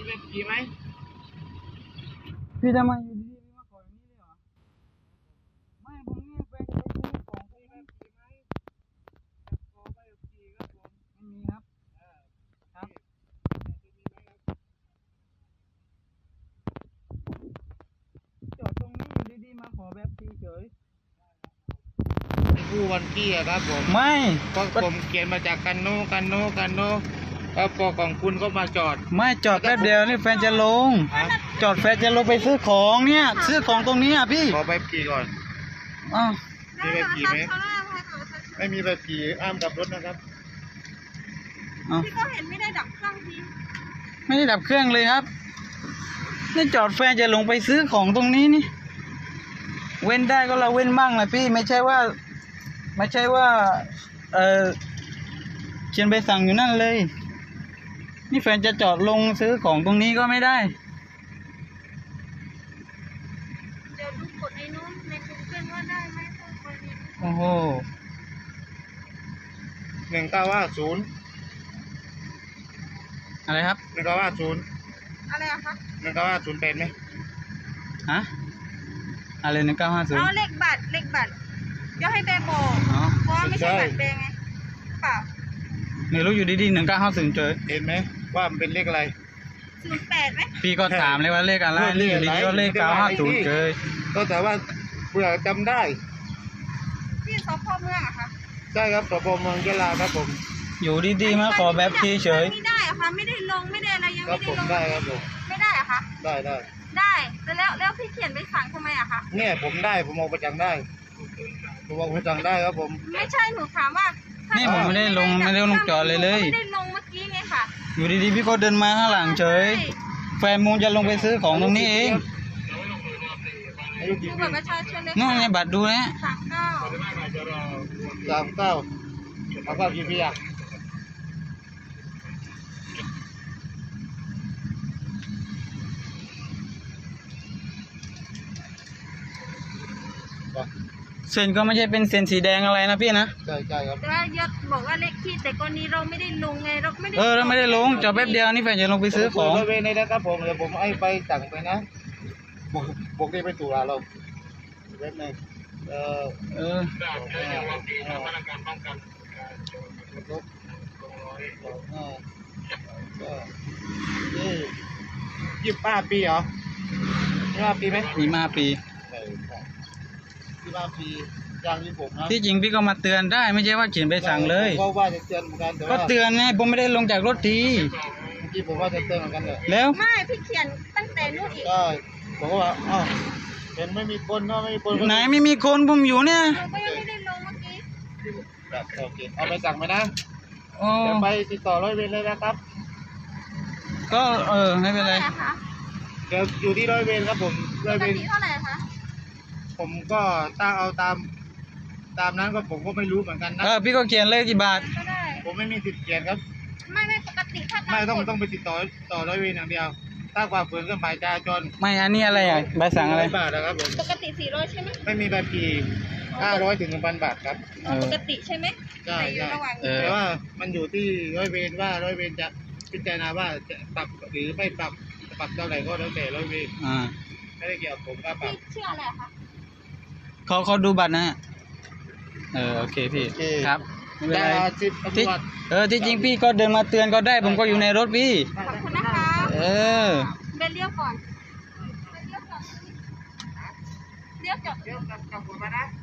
แบบขี่ไหมพี่ทำไมอยู่ดีๆมาขออย่างนี้เลยเหรอไม่ผมนี่แฟนจะไปซื้อของผมแบบขี่ไหมขอใบขับขี่ครับผมไม่มีครับครับจอดตรงนี้อยู่ดีๆมาขอแบบขี่เฉยผู้วันกี้อะครับผมไม่ก็ผมเขียนมาจากกันโนแล้วพอของคุณก็มาจอดไม่จอดแป๊บเดียวนี่แฟนจะลงจอดแฟนจะลงไปซื้อของเนี่ยซื้อของตรงนี้อ่ะพี่ขอใบขี่ก่อนอ้าวมีใบขี่ไหมไม่มีใบขี่อ้ามกับรถนะครับพี่ก็เห็นไม่ได้ดับเครื่องทีไม่ได้ดับเครื่องเลยครับนี่จอดแฟนจะลงไปซื้อของตรงนี้นี่เว้นได้ก็เราเว้นบ้างนะพี่ไม่ใช่ว่าเขียนใบสั่งอยู่นั่นเลยนี่แฟนจะจอดลงซื้อของตรงนี้ก็ไม่ได้เดี๋ยวดูกดในนู้นในกูเกิลว่าได้ไหมต้องไปนี้โอ้โห 1950 อะไรครับ 1950 อะไรอะคะ 1950เป็นไหมฮะอะไร1950 เอาเลขบัตรเดี๋ยวให้แบบอกอ๋อเพราะว่าไม่ใช่บัตรแบไงเปล่าไม่รู้อยู่ดีๆ1950เจอเห็นไหมว่ามันเป็นเลขอะไร 08ไหมพี่ก็ถามเลยว่าเลขอะไรนี่อยู่ดีๆก็เลข950เจอก็แต่ว่าเผื่อจำได้ที่สพเมืองอะคะใช่ครับสพเมืองยะลาครับผมอยู่ดีๆมาขอแบบขี่เฉยไม่ได้อะคะไม่ได้ลงไม่ได้อะไรยังครัไม่บได้ผมลงได้ครับผมไม่ได้อะคะได้ได้แล้วพี่เขียนใบสั่งทำไมอะคะเนี่ยผมได้ผมเอาไปจังได้ผมเอาไปจังได้ครับผมไม่ใช่หนูถามว่าถ้านี่ผมไม่ได้ลงจอดเลยไม่ได้ลงเมื่อกี้ไงค่ะอยู่ดีๆพี่ก็เดินมาข้างหลังเฉย แฟนมูนจะลงไปซื้อของตรงนี้เองอายุดูกี่ปีบัตรประชาชนเลยนู่นไงค่ะบัตรดูนะ 39กี่ปีอ่ะไปเส้นก็ไม่ใช่เป็นเส้นสีแดงอะไรนะพี่นะใช่ครับแต่ว่ายศบอกว่าเลขที่แต่กรณีเราไม่ได้ลงไงเราไม่ได้เราไม่ได้ลงจอดแป๊บเดียวนี่แฟนจะลงไปซื้อของบริเวณนี้นะครับผมเดี๋ยวผมให้ไปสั่งไปนะบอกได้ไปตุลาเราเว็บหนึ่งเออ 25 ปีเหรอ25 ปีไหมมีมาปีใช่25 ปียาง26นะที่จริงพี่ก็มาเตือนได้ไม่ใช่ว่าเขียนใบสั่งเลยผมก็ว่าจะเตือนเหมือนกันแต่ก็ว่าเตือนไงผมไม่ได้ลงจากรถทีเมื่อกี้ผมว่าจะเตือนเหมือนกันเลยแล้วไม่พี่เขียนตั้งแต่นู่นอีกก็ผมก็ว่าอ้าวเห็นไม่มีคนเนาะไม่มีคนไหนไม่มีคนผมอยู่เนี่ยหนูก็ยังไม่ได้ลงเมื่อกี้แบบโอเคเอาไปสั่งไปนะโอ้เดี๋ยวไปติดต่อร้อยเวรเลยนะครับก็ไม่เป็นไรเท่าไหร่คะเดี๋ยวอยู่ที่ร้อยเวรครับผมปร้อยกเวรติเท่าไหร่คะผมก็ตั้งเอาตามนั้นก็ผมก็ไม่รู้เหมือนกันนะพี่ก็เขียนเลขกี่บาทก็ได้ผมไม่มีสิทธิ์เขียนครับไม่ปกติถ้าไม่ต้องกฎไปติดต่อร้อยเวรอย่างเดียว ถ้าฝ่าฝืนก็หมายจราจรไม่อันนี้อะไรอ่ะใบสั่งอะไร 100 บาทนะครับผมปกติ400ใช่ไหมไม่มีใบขี่ 500 ถึง 1,000 บาทครับปกติใช่ไหมใช่แต่อยู่ระหว่างแต่ว่ามันอยู่ที่ร้อยเวรว่าร้อยเวรจะพิจารณาว่าจะปรับหรือไม่ปรับเท่าไหร่ก็แล้วแต่ร้อยเวร ไม่ได้เกี่ยวกับผมค่าปรับพี่ชื่ออะไรอะคะเขาดูบัตรนะโอเคพี่โอเคครับไม่เป็นได้ไรสิบตำรวจที่จริงพี่ก็เดินมาเตือนก็ได้ผมก็อยู่ในรถพี่ขอบคุณนะคะ เบนเลี้ยวก่อนเลี้ยวจอดเดี๋ยวกลับหัวมานะ